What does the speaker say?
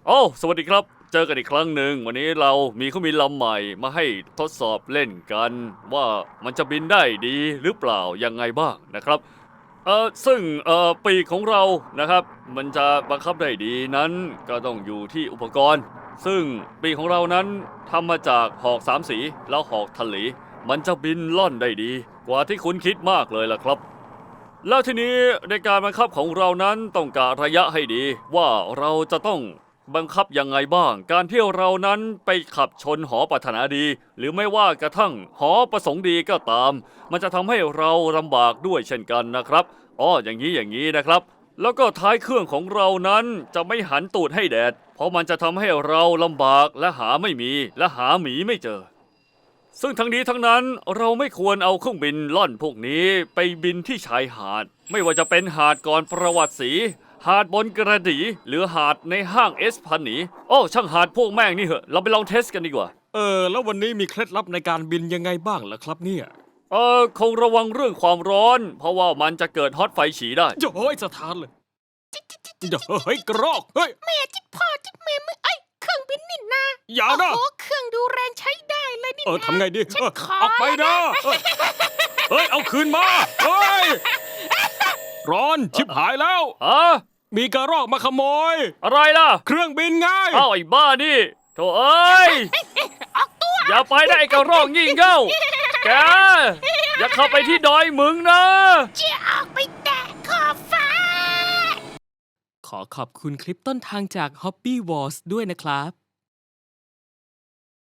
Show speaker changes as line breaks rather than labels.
โอ้สวัสดีครับเจอกันอีกครั้งหนึ่งวันนี้เรามีเครื่องบินลำใหม่มาให้ทดสอบเล่นกันว่ามันจะบินได้ดีหรือเปล่ายังไงบ้างนะครับซึ่งปีกของเรานะครับมันจะบังคับได้ดีนั้นก็ต้องอยู่ที่อุปกรณ์ซึ่งปีกของเรานั้นทำมาจากหอกสามสีแล้วหอกทะเลมันจะบินล่อนได้ดีกว่าที่คุณคิดมากเลยล่ะครับแล้วทีนี้ในการบังคับของเรานั้นต้องกะระยะให้ดีว่าเราจะต้องบังคับยังไงบ้างการที่เรานั้นไปขับชนหอปรารถนาดีหรือไม่ว่ากระทั่งหอประสงค์ดีก็ตามมันจะทำให้เราลำบากด้วยเช่นกันนะครับอย่างนี้นะครับแล้วก็ท้ายเครื่องของเรานั้นจะไม่หันตูดให้แดดเพราะมันจะทำให้เราลำบากและหาไม่มีและหาหมีไม่เจอซึ่งทั้งนี้ทั้งนั้นเราไม่ควรเอาเครื่องบินล่อนพวกนี้ไปบินที่ชายหาดไม่ว่าจะเป็นหาดก่อนประวัติศรีหาดบนกระดี่หรือหาดในห้างเอสพันหนีช่างหาดพวกแม่งนี่เหอะเราไปลองเทสกันดีกว่า
แล้ววันนี้มีเคล็ดลับในการบินยังไงบ้างล่ะครับเนี่ย
คงระวังเรื่องความร้อนเพราะว่ามันจะเกิดฮอตไฟฉี่ได้
โอ้ยสถานเลยเฮ้ยกรอกเฮ้ย
แม่จิตพ่อจิตแม่มึงเครื่องบินนี่นา
อย่านะ
โอ้โหเครื่องดูแรงใช้ได้เลยนี่นะ
ทำไงดี
ฉันขอ
ออกไปนะเฮ้ยเอาคืนมาเฮ้ยร้อนชิบหายแล้วมีกระรอกมาขโมย
อะไรล่ะ
เครื่องบินไง
ไอ้บ้านี่โธ่เอ้ย
ออกตัว
อย่าไปได้กระรอกยิ่งเก้าแกอย่าเข้าไปที่ดอยมึงนะ
จะออกไปแตะขอบฟ้า
ขอขอบคุณคลิปต้นทางจาก Hobby Wars ด้วยนะครับ